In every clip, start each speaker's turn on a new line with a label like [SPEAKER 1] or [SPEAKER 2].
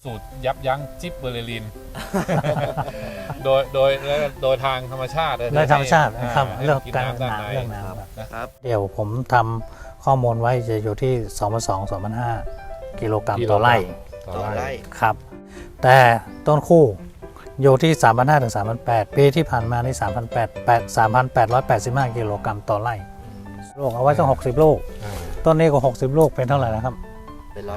[SPEAKER 1] สูตรยับยั้งจิบเบอร์เรลิน โดยทางธรรมชาติ
[SPEAKER 2] โดยธรรมชาติครับเรื่องการ
[SPEAKER 1] น้ำ
[SPEAKER 2] น้ำเรื่องน้
[SPEAKER 1] นะครับ
[SPEAKER 2] ำเดี๋ยวผมทำข้อมูลไว้จะอยู่ที่ 2,200-2,500 กิโลกรัมต่อไร่
[SPEAKER 1] ต่อไร่
[SPEAKER 2] ครับ แต่ต้นคู่อยู่ที่ 3,500 ถึง 3,800 ปีที่ผ่านมานี่3,885 กิโลกรัมต่อไร่ลูกเอาไว้ต้อง60 ลูก ต้นนี้ก็60 ลูกเป็นเท่าไหร่นะครับ
[SPEAKER 3] เป็น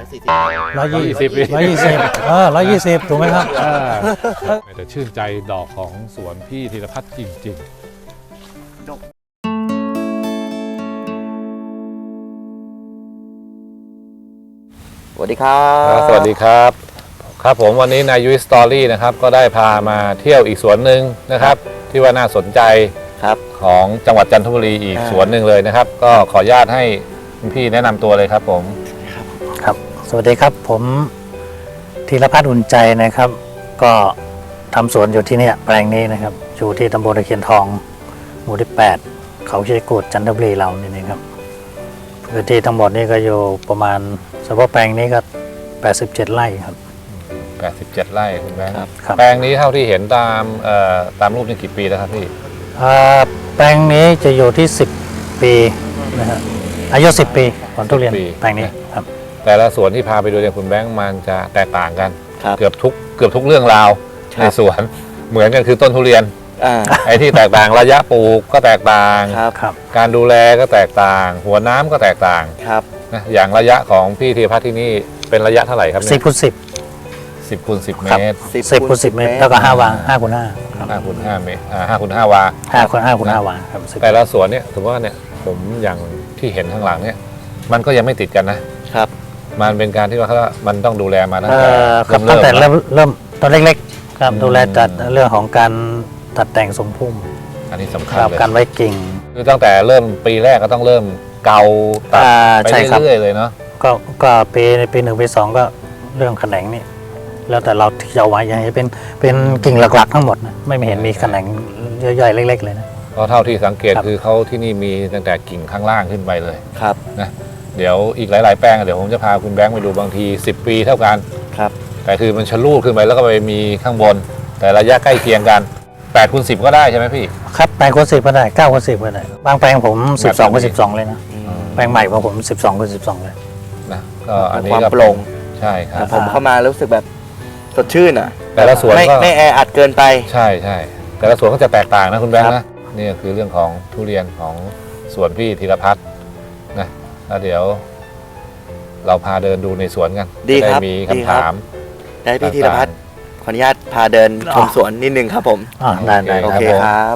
[SPEAKER 2] 120 ถูกไหมครับ
[SPEAKER 1] แต่ชื่นใจดอกของสวนพี่ธีรพัฒน์จริงๆ
[SPEAKER 3] สวัสดีครับ
[SPEAKER 1] สวัสดีครับครับผมวันนี้นายยุ้ยสตอรี่นะครับก็ได้พามาเที่ยวอีกสวนหนึ่งนะครับที่ว่าน่าสนใจ
[SPEAKER 3] ครับ
[SPEAKER 1] ของจังหวัดจันทบุรีอีกสวนหนึ่งเลยนะครับก็ขออนุญาตให้คุณพี่แนะนำตัวเลยครับผม
[SPEAKER 2] ครับสวัสดีครับผมธีรพัฒน์อุ่นใจนะครับก็ทำสวนอยู่ที่นี่แปลงนี้นะครับอยู่ที่ตำบลตะเคียนทองหมู่ที่8เขาชีกูดจันทบุรีเรานี่นะครับพื้นที่ทั้งหมดนี่ก็อยู่ประมาณเฉพาะแปลงนี้ก็87 ไร่ครับ
[SPEAKER 1] 87 ไร่คุณแบงค์
[SPEAKER 2] ครับ
[SPEAKER 1] แปลงนี้เท่าที่เห็นตามรูปนี่กี่ปีแล้วครับพี่
[SPEAKER 2] แปลงนี้จะอยู่ที่10 ปีนะครับอายุ10 ปีผลทุเรียนแปลงนี้ครับ
[SPEAKER 1] แต่ละสวนที่พาไปดูเนี่ยคุณแบงค์มันจะแตกต่างกัน เกือบทุกเรื่องราวในสวนเหมือนกันคือต้นทุเรียนไอ้ที่แตกต่างระยะปลูกก็แตกต่างการดูแลก็แตกต่าง หัวน้ำก็แตกต่างนะอย่างระยะของพี่ธีรพัฒน์ที่นี่เป็นระยะเท่าไหร่ครับเนี่ย10 คูณ 10 เมตร
[SPEAKER 2] 10 คูณ 10 เมตรแล้วก็5 วา5 คูณ 5
[SPEAKER 1] 5 คูณ 5 เมตร5 คูณ 5 วา
[SPEAKER 2] 5 คูณ 5 วาครับ
[SPEAKER 1] แต่ละสวนเนี่ยถือว่าเนี่ยผมอย่างที่เห็นข้างหลังเนี่ยมันก็ยังไม่ติดกันนะครับมันเป็นการที่ว่ามันต้องดูแลมาตั้งแต่
[SPEAKER 2] เริ่มตอนเล็กๆครับดูแลจัดเรื่องของการตัดแต่งทรงพุ่ม
[SPEAKER 1] อันนี้สำคัญเลย
[SPEAKER 2] การไว้กิ่ง
[SPEAKER 1] คือตั้งแต่เริ่มปีแรกก็ต้องเริ่มเกาตัดไปเรื่อยๆเลยเนาะ
[SPEAKER 2] ก็ปี 1 ปี 2ก็เรื่องแขนงนี่แล้วแต่เราที่จะเอาไว้ยังให้เป็นกิ่งหลักๆทั้งหมดนะไม่เห็นมีแขนงย่อยๆเล็กๆเลยนะ
[SPEAKER 1] เพราะเท่าที่สังเกตคือเขาที่นี่มีตั้งแต่กิ่งข้างล่างขึ้นไปเลย
[SPEAKER 3] ครับ
[SPEAKER 1] นะเดี๋ยวอีกหลายๆแปลงเดี๋ยวผมจะพาคุณแบงค์ไปดูบางที10 ปีเท่ากัน
[SPEAKER 3] ครับ
[SPEAKER 1] แต่คือมันชะลูดขึ้นไปแล้วก็ไปมีข้างบนแต่ระยะใกล้เคียงกัน8 คูณ 10ก็ได้ใช่ไหมพี่
[SPEAKER 2] ครับ8 คูณ 10ก็ได้9 คูณ 10ก็ได้บางแปลงผม12 คูณ 12เลยนะแปลงใหม่ของผม12 คูณ 12เลย
[SPEAKER 1] นะก็อันนี้
[SPEAKER 3] ความโปร่ง
[SPEAKER 1] ใช่ครับ
[SPEAKER 3] ผมเข้ามารู้สึกแบบสดชื่นอ่ะ
[SPEAKER 1] แต่ละสวนก็
[SPEAKER 3] ไม่แออัดเกินไป
[SPEAKER 1] ใช่แต่ละสวนก็จะแตกต่างนะคุณแบงค์นะนี่คือเรื่องของทุเรียนของสวนพี่ธีรพัฒน์นะแล้วเดี๋ยวเราพาเดินดูในสวนกัน
[SPEAKER 3] ได้
[SPEAKER 1] มีคำถาม
[SPEAKER 3] ได้พี่ธีรพัฒน์ขออนุญาตพาเดินชมสวนนิดนึงครับผม
[SPEAKER 2] ได้
[SPEAKER 3] โอเคครับ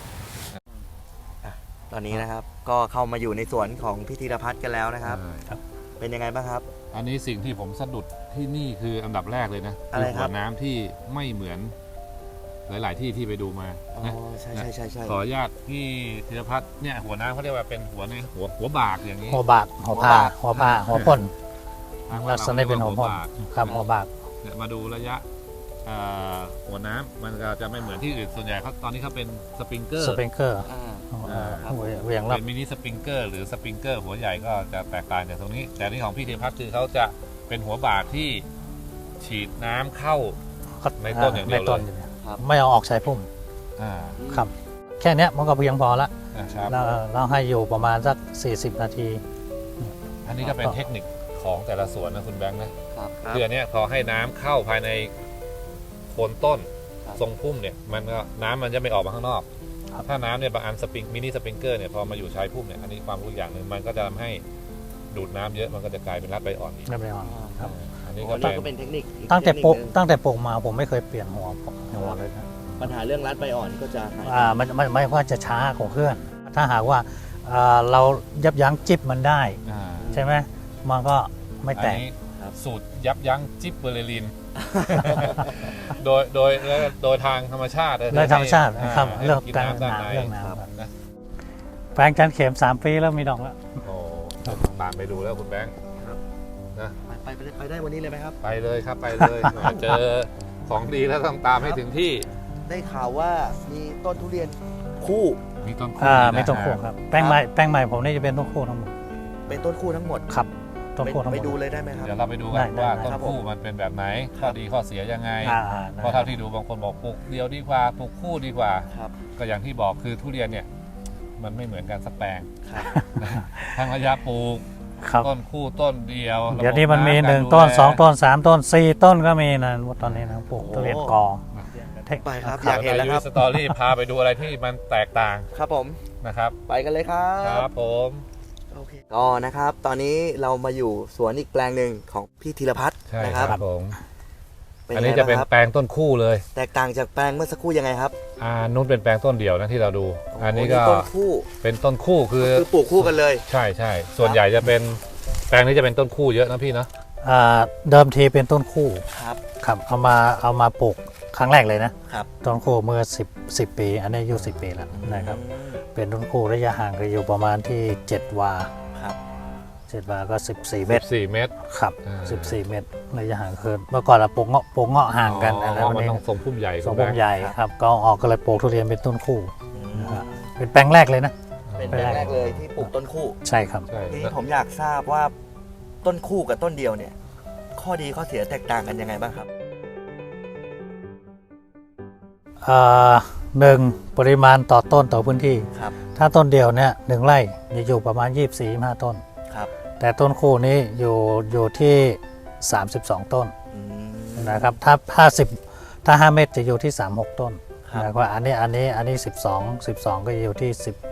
[SPEAKER 3] ตอนนี้นะครับก็เข้ามาอยู่ในสวนของพี่ธีรพัฒน์กันแล้วนะครับเป็นยังไงบ้างครับ
[SPEAKER 1] อันนี้สิ่งที่ผมสะดุดที่นี่คืออันดับแรกเลยนะคือหัวน้ำที่ไม่เหมือนหลายๆที่ไปดูมา
[SPEAKER 3] ใช่
[SPEAKER 1] ขออนุญาตพี่ธีรพัฒน์เนี่ยหัวน้ำเขาเรียกว่าเป็นหัวบากอย่างนี้
[SPEAKER 2] หัวบากหัวพ่นลักษณะเป็นหัวพ่นครับหัวบาก
[SPEAKER 1] เนี่ยมาดูระยะหัวน้ำมันก็จะไม่เหมือนที่อื่นส่วนใหญ่เขาตอนนี้เขาเป็นสปริงเกอร์
[SPEAKER 2] เวียง
[SPEAKER 1] เป็นมินิสปริงเกอร์หรือสปริงเกอร์หัวใหญ่ก็จะแตกต่างจากตรงนี้แต่นี่ของพี่ธีรพัฒน์คือเขาจะเป็นหัวบากที่ฉีดน้ำเข้าในต้นอย่างเดียวเลย
[SPEAKER 2] ไม่เอาออกใช้พุ่มครับแค่นี้มันก็เพียงพอละเราให้อยู่ประมาณสัก40 นาที
[SPEAKER 1] อันนี้ก็เป็นเทคนิคของแต่ละสวนนะคุณแบงค์นะคืออันนี้พอให้น้ำเข้าภายในโคนต้นทรงพุ่มเนี่ยมันก็น้ำมันจะไม่ออกมาข้างนอกถ้าน้ำเนี่ยบางอันมินิสปริงเกอร์เนี่ยพอมาอยู่ชายพุ่มเนี่ยอันนี้ความรู้อย่างหนึ่งมันก็จะทำให้ดูดน้ำเยอะมันก็จะกลายเป็นรัดใบอ่อนอีก
[SPEAKER 2] ครับ
[SPEAKER 1] อันนี้
[SPEAKER 3] ก็เป็นเทคนิค
[SPEAKER 2] ตั้งแต่ปลูกมาผมไม่เคยเปลี่ยนหัวเลยนะ
[SPEAKER 3] ปัญหาเรื่องรัดใบอ่อนก็จะ
[SPEAKER 2] มันไม่ว่าจะช้ากว่าเพื่อนถ้าหากว่าเรายับยั้งจิบมันได้ใช่ไหมมันก็ไม่แตก
[SPEAKER 1] สูตรยับยั้งจิบเบอร์เรลินโดยทางธรรมชาติ
[SPEAKER 2] โดยธรรมชาติครับเรื่องการน้ำแปลงจันเข็ม3 ปีแล้วมีดอกแล้ว
[SPEAKER 1] โอ้ตามไปดูแล้วคุณแบงค์
[SPEAKER 3] นะไปได้วันนี้เลยไหมครับ
[SPEAKER 1] ไปเลยครับไปเลยเจอของดีแล้วต้องตามให้ถึงที่
[SPEAKER 3] ได้ข่าวว่ามีต้นทุเรียนคู่
[SPEAKER 1] มีต้น
[SPEAKER 2] คู่ครับแปลงใหม่ผมนี่จะเป็นต้นคู่ทั้งหมด
[SPEAKER 3] เป็นต้นคู่ทั้งหมด
[SPEAKER 2] ครับต้นคู่ทั้งหม
[SPEAKER 3] ไป
[SPEAKER 2] ด
[SPEAKER 3] ดูเลยได้ไหมครับ
[SPEAKER 1] เดี๋ยวเราไปดูกัน
[SPEAKER 2] ได้
[SPEAKER 1] ว่า
[SPEAKER 2] ได้
[SPEAKER 1] ต้น
[SPEAKER 3] ครับ
[SPEAKER 1] คู่มันเป็นแบบไหนข้อดีข้อเสียยังไง
[SPEAKER 2] ได้
[SPEAKER 1] เพราะเท่าที่ดูบางคนบอกปลูกเดียวดีกว่าปลูกคู่ดีกว่า
[SPEAKER 3] ครับ
[SPEAKER 1] ก็อย่างที่บอกคือทุเรียนเนี่ยมันไม่เหมือนกันสักแปลง
[SPEAKER 3] ครับ
[SPEAKER 1] ทั้งระยะปลูก
[SPEAKER 2] ครับ
[SPEAKER 1] ต้นคู่ต้นเดียว
[SPEAKER 2] เดี๋ยวนี้มันมี
[SPEAKER 1] ระบบำ
[SPEAKER 2] 1 ต้น
[SPEAKER 1] การดูแล
[SPEAKER 2] 2 ต้น 3 ต้น 4 ต้นก็มีนะตอนนี้นะปลูกทุเรียนกอ
[SPEAKER 3] ไปครับ
[SPEAKER 1] เดี๋
[SPEAKER 3] อยากเห็นแล้วครับ
[SPEAKER 1] สตอรี่พาไปดูอะไรที่มันแตกต่าง
[SPEAKER 3] ครับผม
[SPEAKER 1] นะครับ
[SPEAKER 3] ไปกันเลยครั
[SPEAKER 1] ครับ บผม
[SPEAKER 3] โอเคก็นะครับ ตอนนี้เรามาอยู่สวนอีกแปลงหนึ่งของพี่ธีรพัฒน์
[SPEAKER 1] ใช่
[SPEAKER 3] นะ
[SPEAKER 1] ค
[SPEAKER 3] ค
[SPEAKER 1] รั
[SPEAKER 3] รั
[SPEAKER 1] บบ ผม
[SPEAKER 3] เป็น
[SPEAKER 1] อัน
[SPEAKER 3] ไง
[SPEAKER 1] นี้จะ
[SPEAKER 3] บ้าง
[SPEAKER 1] เป็น
[SPEAKER 3] ครับ
[SPEAKER 1] แปลงต้นคู่เลย
[SPEAKER 3] แตกต่างจากแปลงเมื่อสักครู่ยังไงครับ
[SPEAKER 1] นู้นเป็นแปลงต้นเดียวนะที่เราดู อันนี้ก็
[SPEAKER 3] ต้นคู่
[SPEAKER 1] เป็นต้นคู่คือ
[SPEAKER 3] คือปลูกคู่กันเลย
[SPEAKER 1] ใช่ใช่ส่วนใหญ่จะเป็นแปลงนี้จะเป็นต้นคู่เยอะนะพี่เนาะ
[SPEAKER 2] เดิมทีเป็นต้นคู่
[SPEAKER 3] ครับ
[SPEAKER 2] ครับเอามาปลูกครั้งแรกเลยนะครับ ต้นคู่เมื่อ10 ปี อันนี้อายุ10 ปีแล้วนะครับเป็นต้นคู่ระยะห่างก็อยู่ประมาณที่7 วา
[SPEAKER 3] ครับ
[SPEAKER 2] 7 วาก็ 14 เมตร
[SPEAKER 1] 4 เมตร
[SPEAKER 2] ครับ
[SPEAKER 1] อ่า
[SPEAKER 2] 14 เมตรระยะห่างคือเมื่อก่อนเราปลูกเงาะห่างกัน
[SPEAKER 1] อ๋อ
[SPEAKER 2] แล้ว
[SPEAKER 1] มัน
[SPEAKER 2] นี้
[SPEAKER 1] ต้องทรงพุ่มใหญ่
[SPEAKER 2] ทรง
[SPEAKER 1] คุณ
[SPEAKER 2] ผ
[SPEAKER 1] แบ
[SPEAKER 2] ม
[SPEAKER 1] งค์
[SPEAKER 2] ใหญ่ครับก็ออกก็เลยปลูกทุเรียนเป็นต้นคู่
[SPEAKER 3] อืม
[SPEAKER 2] นะฮะเป็นแปลงแรกเลยนะ
[SPEAKER 3] เป็นแปลงแรกเลยที่ปลูกต้นคู่
[SPEAKER 2] ใช่ครับ
[SPEAKER 1] ใช่
[SPEAKER 3] ทีนี้ผมอยากทราบว่าต้นคู่กับต้นเดียวเนี่ย ข้อดีข้อเสียแตกต่างกันยังไงบ้างครับ
[SPEAKER 2] หนึ่งปริมาณต่อต้นต่อพื้นที่
[SPEAKER 3] ครับ
[SPEAKER 2] ถ้าต้นเดียวเนี่ย1 ไร่จะอยู่ประมาณ 24-25 ต้น
[SPEAKER 3] ครับ
[SPEAKER 2] แต่ต้นคู่นี้อยู่ที่ 32 ต้น
[SPEAKER 3] อืม
[SPEAKER 2] นะครับถ้า5 เมตรจะอยู่ที่ 36 ต้น
[SPEAKER 3] ครับ
[SPEAKER 2] นะครับอันนี้12ก็จะอยู่ที่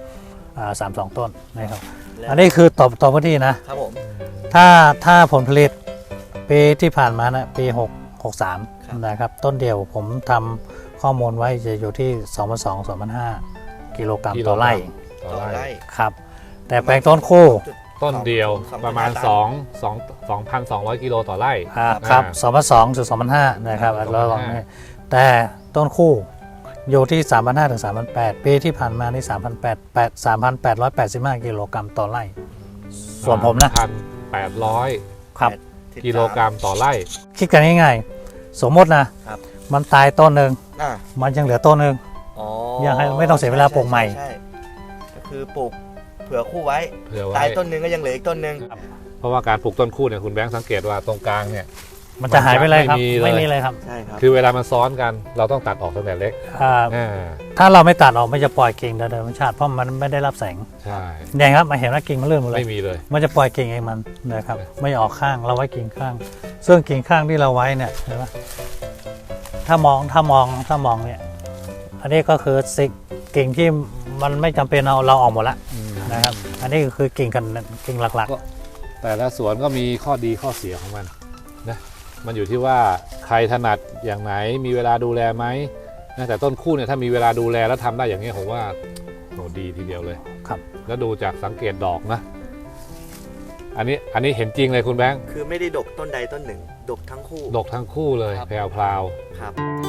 [SPEAKER 2] 32 ต้นนะครับ
[SPEAKER 3] และ
[SPEAKER 2] อันนี้คือต่อพื้นที่นะ
[SPEAKER 3] ครับผม
[SPEAKER 2] ถ้าผลผลิตปีที่ผ่านมานะปี
[SPEAKER 3] ครับ
[SPEAKER 2] 63นะครับต้นเดียวผมทำข้อมูลไว้จะอยู่ที่ 2,200-2,500 กิโลกรัมต่อไร่
[SPEAKER 1] ต่อ
[SPEAKER 3] ต่อ
[SPEAKER 1] ไร่
[SPEAKER 3] ไร่
[SPEAKER 2] ครับแต่แปลงต้นคู่
[SPEAKER 1] ต้นเดียว
[SPEAKER 3] สอง
[SPEAKER 1] ประมาณ 2,200 กิโลต่อไร่
[SPEAKER 2] ครับ2,200 ถึง 2,500นะครับ
[SPEAKER 1] 2,500
[SPEAKER 2] แล้วลองนี่แต่ต้นคู่อยู่ที่ 3,500 ถึง 3,800 ปีที่ผ่านมานี่3,885 กิโลกรัมต่อไร่ ส่วนผมนะ
[SPEAKER 1] 1,800
[SPEAKER 2] ครับ
[SPEAKER 1] กิโลกรัมต่อไร่
[SPEAKER 2] คิดกันง่ายๆสมมตินะครับ มันตายต้นหนึ่ง
[SPEAKER 3] อ่า
[SPEAKER 2] มันยังเหลือต้นหนึ่ง
[SPEAKER 3] อ๋อ
[SPEAKER 2] ยังให้ไม่ต้องเสียเวลาปลูกใหม่
[SPEAKER 3] ใช่ก็คือปลูกเผื่อคู่ไว้
[SPEAKER 1] เผื่อไว้
[SPEAKER 3] ตายต้นหนึ่งก็ยังเหลืออีกต้นหนึ่ง
[SPEAKER 1] เพราะว่าการปลูกต้นคู่เนี่ยคุณแบงค์สังเกตว่าตรงกลางเนี่ย
[SPEAKER 2] มันจะหายไปเลยครับ
[SPEAKER 1] ไม่มีเลย
[SPEAKER 2] ไม่มีเลยครับ
[SPEAKER 3] ใช่ครับ
[SPEAKER 1] คือเวลามันซ้อนกันเราต้องตัดออกตั้งแต่เล็ก อ่า
[SPEAKER 2] ถ้าเราไม่ตัดออกมันจะปล่อยกิ่งโดยธรรมชาติเพราะมันไม่ได้รับแสง
[SPEAKER 1] ใช่
[SPEAKER 2] เนี่ยครับมาเห็นว่ากิ่งมันเลื่อนหมดเลย
[SPEAKER 1] ไม่มีเลย
[SPEAKER 2] มันจะปล่อยกิ่งเองมันนะครับไม่ออกข้างเราไว้กิ่งข้าง ซึ่งกิ่งข้างที่เราไว้เนี่ยเห็นไหมถ้ามองเนี่ยอันนี้ก็คือกิ่งที่มันไม่จำเป็นเราออกหมดแล้วนะครับอันนี้คือกิ่งหลัก
[SPEAKER 1] แต่ละสวนก็มีข้อดีข้อเสียของมันนะมันอยู่ที่ว่าใครถนัดอย่างไหนมีเวลาดูแลไหมนะแต่ต้นคู่เนี่ยถ้ามีเวลาดูแลแล้วทำได้อย่างนี้ยผมว่าโหดีทีเดียวเลย
[SPEAKER 2] ๆครับ
[SPEAKER 1] แล้วดูจากสังเกตดอกนะ อันนี้เห็นจริงเลยคุณแบงค์
[SPEAKER 3] คือไม่ได้ดกต้นใดต้นหนึ่ง ดกทั้งคู่
[SPEAKER 1] ดกทั้งคู่เลย
[SPEAKER 3] ครับ
[SPEAKER 1] แพรว
[SPEAKER 3] ครับ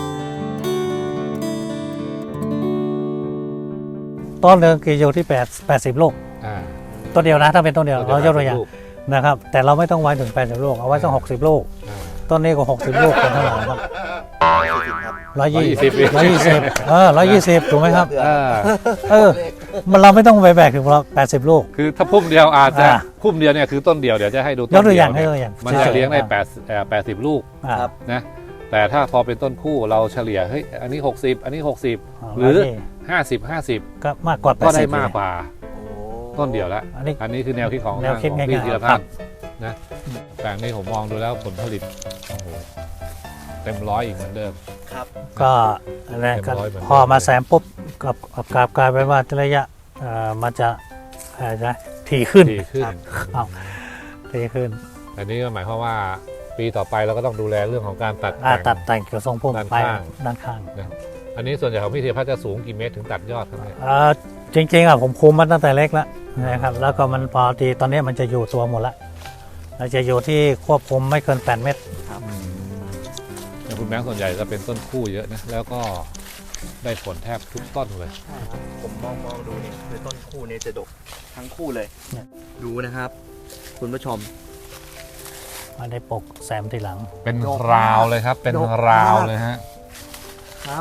[SPEAKER 2] ต้นหนึ่งกี่อยู่ที่80 ลูก
[SPEAKER 1] ๆอ่า
[SPEAKER 2] ต้นเดียวนะถ้าเป็นต้นเดียวเรายกตัวอย่าง
[SPEAKER 1] ลูก
[SPEAKER 2] นะครับแต่เราไม่ต้องไว้ถึง80 ลูกเอาไว้สัก60 ลูก
[SPEAKER 1] อ่า
[SPEAKER 2] ต้นนี้ก็60 ลูกเป็นเท่าไหร่ครับ
[SPEAKER 3] ครับ
[SPEAKER 2] 120 120ถูกไหมครับ
[SPEAKER 1] อ่า
[SPEAKER 2] มันเราไม่ต้องไปแบกถึง80 ลูก
[SPEAKER 1] คือถ้าพุ่มเดียวอาจจะ
[SPEAKER 2] อ่า
[SPEAKER 1] พุ่มเดียวเนี่ยคือต้นเดียวเดี๋ยวจะให้ดูต้
[SPEAKER 2] ยก
[SPEAKER 1] น
[SPEAKER 2] ตัว
[SPEAKER 1] เดี
[SPEAKER 2] อย่าง
[SPEAKER 1] เนี่ย
[SPEAKER 2] ให้ตัวอย่าง
[SPEAKER 1] มันจะเลี้ยงได้
[SPEAKER 2] อ่า
[SPEAKER 1] 80 ลูก
[SPEAKER 2] อ่า
[SPEAKER 3] ครับ
[SPEAKER 1] นะแต่ถ้าพอเป็นต้นคู่เราเฉลี่ยเฮ้ยอันนี้ 60 อันนี้ 60 หรือ 50
[SPEAKER 2] ก็มากกว่า
[SPEAKER 1] 50 ก็ได้
[SPEAKER 2] 80
[SPEAKER 1] มากกว่า
[SPEAKER 3] โอ้
[SPEAKER 1] ต้นเดียวแล้ว
[SPEAKER 2] อันนี้
[SPEAKER 1] อันนี้คือแนวคิดของ
[SPEAKER 2] แนวคิด
[SPEAKER 1] ของ
[SPEAKER 2] ง่ายๆ
[SPEAKER 1] พี่ธีร
[SPEAKER 2] ครั
[SPEAKER 1] พัฒ
[SPEAKER 2] บ
[SPEAKER 1] น์นะแต่นี่ผมมองดูแล้วผลผลิตโอ้โหเต็มร้อยอีกเหมือนเดิม
[SPEAKER 3] ครับ
[SPEAKER 2] ก็อะไรก็
[SPEAKER 1] เต็มร้อยเหมือนเดิม
[SPEAKER 2] พอมาแซมปุ๊บกับกลายเป็นว่าระยะมันจะถี่ขึ้น
[SPEAKER 1] ดีขึ้น
[SPEAKER 2] ถี่ขึ้น
[SPEAKER 1] อันนี้ก็หมายความว่าปีต่อไปเราก็ต้องดูแลเรื่องของการตัด
[SPEAKER 2] ตัด
[SPEAKER 1] แต่ง
[SPEAKER 2] แต่งเกี่ยวทรงพุ่ม
[SPEAKER 1] ด้าน
[SPEAKER 2] ไป
[SPEAKER 1] ข้าง
[SPEAKER 2] ด้านข้าง
[SPEAKER 1] อันนี้ส่วนใหญ่ของพี่ธีรพัฒน์จะสูงกี่เมตรถึงตัดยอดครับเนี่ย
[SPEAKER 2] จริงๆผมคุมมันตั้งแต่เล็กแล้วนะครับแล้วก็มันพอดีตอนนี้มันจะอยู่ตัวหมดแล้วเราจะอยู่ที่ควบคุมไม่เกิน8 เมตร
[SPEAKER 1] แต่คุณแบงค์ส่วนใหญ่จะเป็นต้นคู่เยอะนะแล้วก็ได้ผลแทบทุกต้นเลย
[SPEAKER 3] ใช่ครับผมมองดูเนี่ยคือต้นคู่เนี่ยจะดกทั้งคู่เลย
[SPEAKER 2] เนี่ย
[SPEAKER 3] ดูนะครับ คุณผู้ชม
[SPEAKER 2] มาได้ปกแซมทีหลัง
[SPEAKER 1] เป็น
[SPEAKER 3] ดก
[SPEAKER 1] ราวเลยครับ เป็น
[SPEAKER 3] ดก
[SPEAKER 1] ราว
[SPEAKER 3] มาก
[SPEAKER 1] เลยฮะ
[SPEAKER 3] ครับ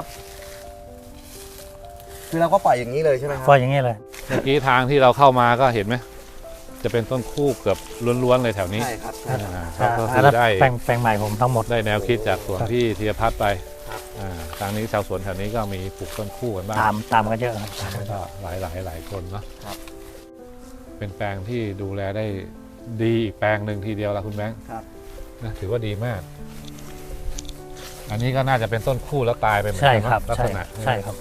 [SPEAKER 3] คือเราก็ปล่อยอย่างนี้เลยใช่ไหมครั
[SPEAKER 2] ก็อย่างนี้เลย
[SPEAKER 1] เมื่อกี้ทางที่เราเข้ามาก็เห็นไหมจะเป็นต้นคู่เกือบล้วนๆเลยแถวนี้
[SPEAKER 3] ใช่ครับใช่
[SPEAKER 1] ก็คื
[SPEAKER 2] อัน
[SPEAKER 1] อ
[SPEAKER 2] นั้น
[SPEAKER 1] ได้
[SPEAKER 2] แปลงใหม่ผมทั้งหมด
[SPEAKER 1] ได้แนวคิดจากสวน
[SPEAKER 2] ครับ
[SPEAKER 1] พี่ธีรพัฒน์ไป
[SPEAKER 3] ครับ
[SPEAKER 1] ทางนี้ชาวสวนแถวนี้ก็มีปลูกต้นคู่กันบ้าง
[SPEAKER 2] ตามกันเยอะครับ
[SPEAKER 1] ก็หลายคนเนาะ
[SPEAKER 3] ครับ
[SPEAKER 1] เป็นแปลงที่ดูแลได้ดีอีกแปลงหนึ่งทีเดียวละคุณแบงค์
[SPEAKER 3] ครับ
[SPEAKER 1] นะถือว่าดีมาก อันนี้ก็น่าจะเป็นต้นคู่แล้วตายไปเหมือน
[SPEAKER 2] ใช่
[SPEAKER 1] กัน
[SPEAKER 2] ครับ
[SPEAKER 1] ลัก
[SPEAKER 2] ใช่
[SPEAKER 1] ษณะ
[SPEAKER 2] ใช่ครับ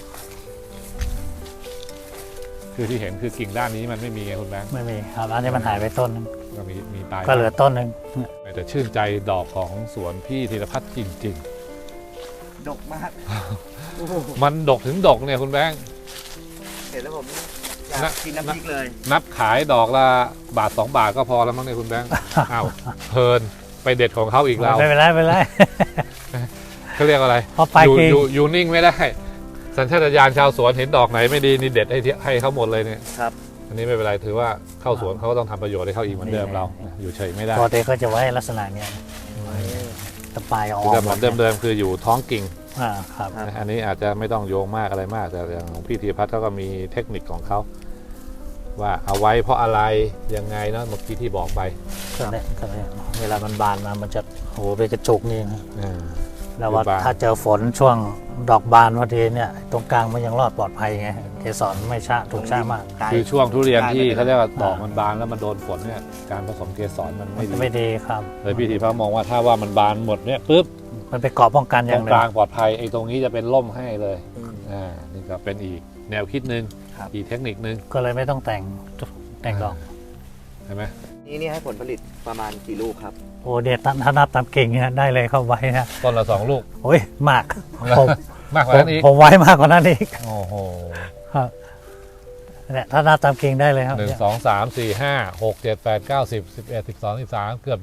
[SPEAKER 1] คือที่เห็นคือกิ่งด้านนี้มันไม่มีไงคุณแบงค์
[SPEAKER 2] ไม่มีครับอันนี้มันหายไปต้นนึง
[SPEAKER 1] ก็มีตาย
[SPEAKER 2] ก็เหลือต้นหนึ่ง
[SPEAKER 1] แต่ชื่นใจดอกของสวนพี่ธีรพัฒน์จริง
[SPEAKER 3] ดกมาก
[SPEAKER 1] ๆ มันดกถึงดกเนี่ยคุณแบงค์
[SPEAKER 3] เห็นแล้วผมอยากกินน้ำพริกเลย
[SPEAKER 1] นับขายดอกละบาท2 บาทก็พอแล้วมั้งเนี่ยคุณแบงค์ อ้าวเพลินไปเด็ดของเขาอีกแล้ว
[SPEAKER 2] ไม่เป็นไรไม่เป็นไร
[SPEAKER 1] เขาเรียกอะไร
[SPEAKER 2] เพราะไป
[SPEAKER 1] อยู่
[SPEAKER 2] คือ
[SPEAKER 1] อยู่นิ่งไม่ได้ สัญชาตญาณชาวสวนเห็นดอกไหนไม่ดีนี่เด็ดให้เขาหมดเลยเนี่ย
[SPEAKER 3] ครับ
[SPEAKER 1] อันนี้ไม่เป็นไรถือว่าเข้าสวนเขาก็ต้องทำประโยชน์ให้เขาอีกเหมือนเดิมเราอยู่เฉยไม่ได้
[SPEAKER 2] ปกติก็จะไว้ลักษณะเนี้ยตะปลายออก
[SPEAKER 1] แต่เหมือนเดิมๆคืออยู่ท้องกิ่ง
[SPEAKER 2] ครับ
[SPEAKER 3] ครับ
[SPEAKER 1] อันนี้อาจจะไม่ต้องโยงมากอะไรมากแต่อย่างของพี่ธีรพัฒน์เขาก็มีเทคนิคของเขาว่าเอาไว้เพราะอะไรยังไงเนาะเมื่อกี้ที่บอกไป
[SPEAKER 2] ก็เนี่ยเวลามันบานมามันจะโหเป็นกระจุกนี่นะ
[SPEAKER 1] อ่า
[SPEAKER 2] แล้วว่า
[SPEAKER 1] คือบาน
[SPEAKER 2] ถ้าเจอฝนช่วงดอกบานพอดีเนี่ยตรงกลางมันยังรอดปลอดภัยไงเกสรไม่ช้าถูกช้ามาก
[SPEAKER 1] คือช่วงทุเรียนที่
[SPEAKER 3] ได้
[SPEAKER 1] เขาเรียกว่าดอกมันบานแล้วมันโดนฝนเนี่ยการผสมเกสรมันไม่ดี
[SPEAKER 2] ไม่ดีครับ
[SPEAKER 1] เลยพี่ธีรพัฒน์มองว่าถ้าว่ามันบานหมดเนี่ยปุ๊บ
[SPEAKER 2] มันไปเกาะป้องกันอ
[SPEAKER 1] ตร
[SPEAKER 2] ย่าง
[SPEAKER 1] ง
[SPEAKER 2] หนึ่
[SPEAKER 1] ก
[SPEAKER 2] ง
[SPEAKER 1] ลางปลอดภัยไอ้ตรงนี้จะเป็นล่มให้เลย
[SPEAKER 3] อืม
[SPEAKER 1] นี่ก็เป็นอีกแนวคิดหนึ่ง
[SPEAKER 3] ครับ
[SPEAKER 1] อีกเทคนิคหนึ่ง
[SPEAKER 2] ก็เลยไม่ต้องแต่งดอก
[SPEAKER 1] ใช่ไหม
[SPEAKER 3] นี่ให้ผลผลิตประมาณกี่ลูกครับ
[SPEAKER 2] โอ้เด็ดถ้านับตามเก่งเนี่ยได้เลยเข้าไว้นะ
[SPEAKER 1] ต้นละ2 ลูก
[SPEAKER 2] โอ้ยมากผม
[SPEAKER 1] มากกว่านั้นอีก
[SPEAKER 2] ผมไว้มากกว่านั้นอีก
[SPEAKER 1] โอ้โห
[SPEAKER 2] ครับเนี่ยถ้านับตามเก่งได้เลยครับ
[SPEAKER 1] 1 2 3 4 5 6 7 8 9 10 11 12 13เกือบ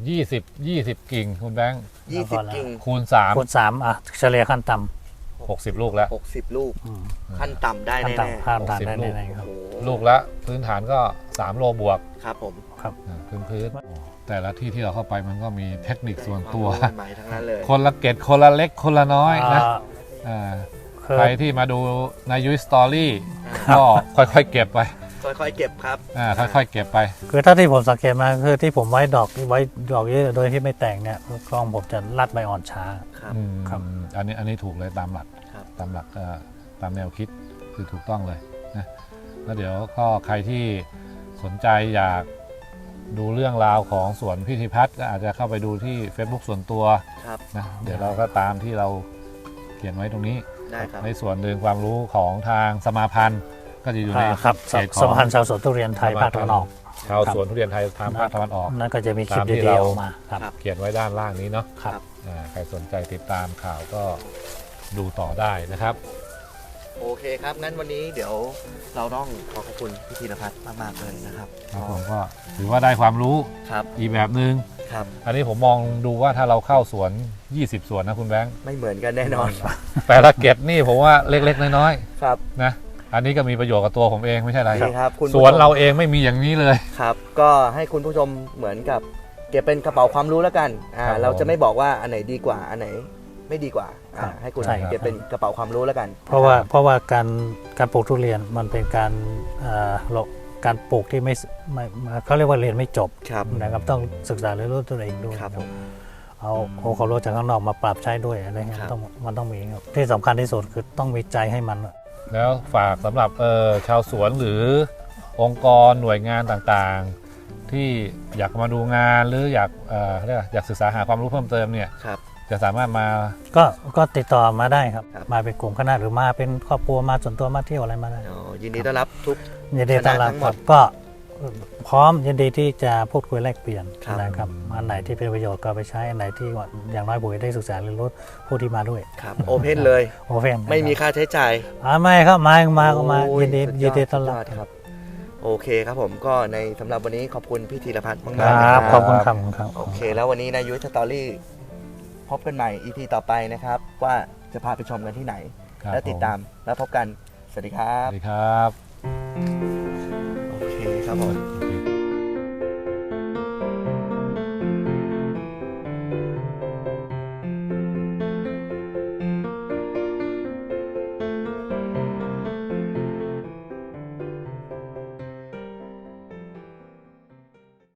[SPEAKER 1] 20กิ่งคุณแบงค์
[SPEAKER 3] 20 กิ่ง
[SPEAKER 1] คูณ
[SPEAKER 2] คูณ3อ่ะเฉลี่ยขั้นต่
[SPEAKER 1] 3 60 ลูกแล้ว
[SPEAKER 3] 60 ลูก
[SPEAKER 2] ำอืม
[SPEAKER 3] ขั้นต่ำได้
[SPEAKER 2] ขั้น
[SPEAKER 3] แน่
[SPEAKER 2] ต่ำขั้นต่ำได้
[SPEAKER 1] 60
[SPEAKER 2] แน่ๆครับ
[SPEAKER 3] โอ้โห
[SPEAKER 1] ลูกละพื้นฐานก็3 โลบวก
[SPEAKER 3] ครับผม
[SPEAKER 1] พื้นแต่ละที่ที่เราเข้าไปมันก็มีเทคนิคส่วนตัว
[SPEAKER 3] ความรู้ใหม่ๆทั้งนั้นเลย
[SPEAKER 1] คนละเกตคนละเล็กคนละน้อยนะ
[SPEAKER 2] อ่า
[SPEAKER 1] อ่า
[SPEAKER 2] คือ
[SPEAKER 1] ใครที่มาดูในยุ้ยสตอรี่ก็ค่อยๆเก็บไป
[SPEAKER 3] ค่อยๆเก็บครับ
[SPEAKER 1] ค่อยๆเก็บไป
[SPEAKER 2] คือถ้าที่ผมสังเกตมาคือที่ผมไว้ดอกเยอะโดยที่ไม่แต่งเนี่ยกล้องผมจะรัดใบอ่อนช้า
[SPEAKER 3] ครับ
[SPEAKER 2] ครับ
[SPEAKER 1] อันนี้ถูกเลยตามหลัก
[SPEAKER 3] ครับ
[SPEAKER 1] ตามหลักตามแนวคิดคือถูกต้องเลยนะแล้วเดี๋ยวก็ใครที่สนใจอยากดูเรื่องราวของสวนพิธีพัฒน์ก็อาจจะเข้าไปดูที่ Facebook ส่วนตัว
[SPEAKER 3] ครับ
[SPEAKER 1] นะเดี๋ยวเราก็ตามที่เราเขียนไว้ตรงนี้
[SPEAKER 3] ได้ครับ
[SPEAKER 1] ในส่วนหนึ่งความรู้ของทางสมาพันธ์ก็จะอยู่ใน
[SPEAKER 2] ครับ
[SPEAKER 1] เขตข
[SPEAKER 2] ส
[SPEAKER 1] อง
[SPEAKER 2] มพันธ์ชาวสวนทุเรียนไทยภาคตะวันออก
[SPEAKER 1] ชาวสวนทุเรียนไทยทางภาคตะวันออก
[SPEAKER 2] นั่นก็จะมีคลิป
[SPEAKER 1] ตามที่
[SPEAKER 2] เดียว
[SPEAKER 1] เรา
[SPEAKER 2] ๆมาครับ
[SPEAKER 1] เขียนไว้ด้านล่างนี้เนาะ
[SPEAKER 2] ครับ
[SPEAKER 1] ใครสนใจติดตามข่าวก็ดูต่อได้นะครับ
[SPEAKER 3] โอเคครับ งั้นวันนี้เดี๋ยวเราต้องขอบคุณพี่ธีรพัฒน์มากๆเลยนะครับ
[SPEAKER 1] ครับผมก็ถือว่าได้ความรู้
[SPEAKER 3] ครับ
[SPEAKER 1] อีกแบบหนึง่ง
[SPEAKER 3] ครับ
[SPEAKER 1] อันนี้ผมมองดูว่าถ้าเราเข้าสวน 20 สวนนะคุณแบงค์
[SPEAKER 3] ไม่เหมือนกันแน่นอน
[SPEAKER 1] แต่ละเก็ตนี่ผมว่าเล็กๆน้อย
[SPEAKER 3] ครับ
[SPEAKER 1] ๆนะอันนี้ก็มีประโยชน์กับตัวผมเองไม่ใช่อะไร
[SPEAKER 3] นี่ครับคุณ
[SPEAKER 1] ส
[SPEAKER 3] ผู้ชม
[SPEAKER 1] วนเราเองไม่มีอย่างนี้เลย
[SPEAKER 3] ครับ ก็ให้คุณผู้ชมเหมือนกับเก็บเป็นกระเป๋าความรู้แล้วกัน
[SPEAKER 1] ครับ
[SPEAKER 3] เราจะไม่บอกว่าอันไหนดีกว่า อันไหนไม่ดีกว่า
[SPEAKER 2] ครับ
[SPEAKER 3] ให้คุณ
[SPEAKER 2] ใช่ครับ
[SPEAKER 3] เก็บเป็นกระเป๋าความรู้แล้วกัน
[SPEAKER 2] เพราะว่าการปลูกทุเรียนมันเป็นการปลูกที่ไม่เขาเรียกว่าเรียนไม่จบ
[SPEAKER 3] ครับ
[SPEAKER 2] นะครับต้องศึกษาเรียนรู้ตัวเองด้วย
[SPEAKER 3] ครับผม
[SPEAKER 2] เอาความรู้จากข้างนอกมาปรับใช้ด้วยอะไรเงี้ย
[SPEAKER 3] ครับ
[SPEAKER 2] มันต้องมีครับที่สำคัญที่สุดคือต้องมีใจให้มัน
[SPEAKER 1] แล้วฝากสำหรับชาวสวนหรือองค์กรหน่วยงานต่างๆ ที่อยากมาดูงานหรืออยากศึกษาหาความรู้เพิ่มเติมเนี่ย
[SPEAKER 3] ครับ
[SPEAKER 1] จะสามารถมา
[SPEAKER 2] ก็ติดต่อมาได้ครับ
[SPEAKER 3] ครับ
[SPEAKER 2] มาเป็นกลุ่มคณะหรือมาเป็นครอบครัวมาส่วนตัวมาเที่ยวอะไรมาได้
[SPEAKER 3] อ๋อยินดีต้อนรับทุก
[SPEAKER 2] ยินดีต้อนรับ
[SPEAKER 3] คณะทั้งหม
[SPEAKER 2] ครั
[SPEAKER 3] ด
[SPEAKER 2] บก็พร้อมยินดีที่จะพูดคุยแลกเปลี่ยน
[SPEAKER 3] ครับ
[SPEAKER 2] นะครับอันไหนที่เป็นประโยชน์ก็เอาไปใช้อันไหนที่ว่าอย่างน้อยผมได้ศึกษาเรียนรู้ผู้ที่มาด้วย
[SPEAKER 3] ครับโอเพนเลย
[SPEAKER 2] โอเพน
[SPEAKER 3] ไม่มีค่าใช้จ่าย
[SPEAKER 2] ไม่ครับมาก็มา
[SPEAKER 3] โอ้
[SPEAKER 2] ยินดี
[SPEAKER 3] สุ
[SPEAKER 2] ต้อนรับ
[SPEAKER 3] ยดครับ โอเคครับผมก็ในสำหรับวันนี้ขอบคุณพี่ธีรพัฒน์มาก
[SPEAKER 2] ค
[SPEAKER 3] ๆนะ
[SPEAKER 2] รับ
[SPEAKER 3] ค
[SPEAKER 2] ข
[SPEAKER 3] รั
[SPEAKER 2] อบบ คุณครับครับ
[SPEAKER 3] โอเค แล้ววันนี้นายุ้ยสตอรี่พบกันใหม่ EP ต่อไปนะครับ ว่าจะพาไปชมกันที่ไหน
[SPEAKER 1] ครับ
[SPEAKER 3] และติดตามแล้วพบกัน สวัสดีครั
[SPEAKER 1] ส
[SPEAKER 3] บ
[SPEAKER 1] วัสดีครับ
[SPEAKER 3] โอเคครับผม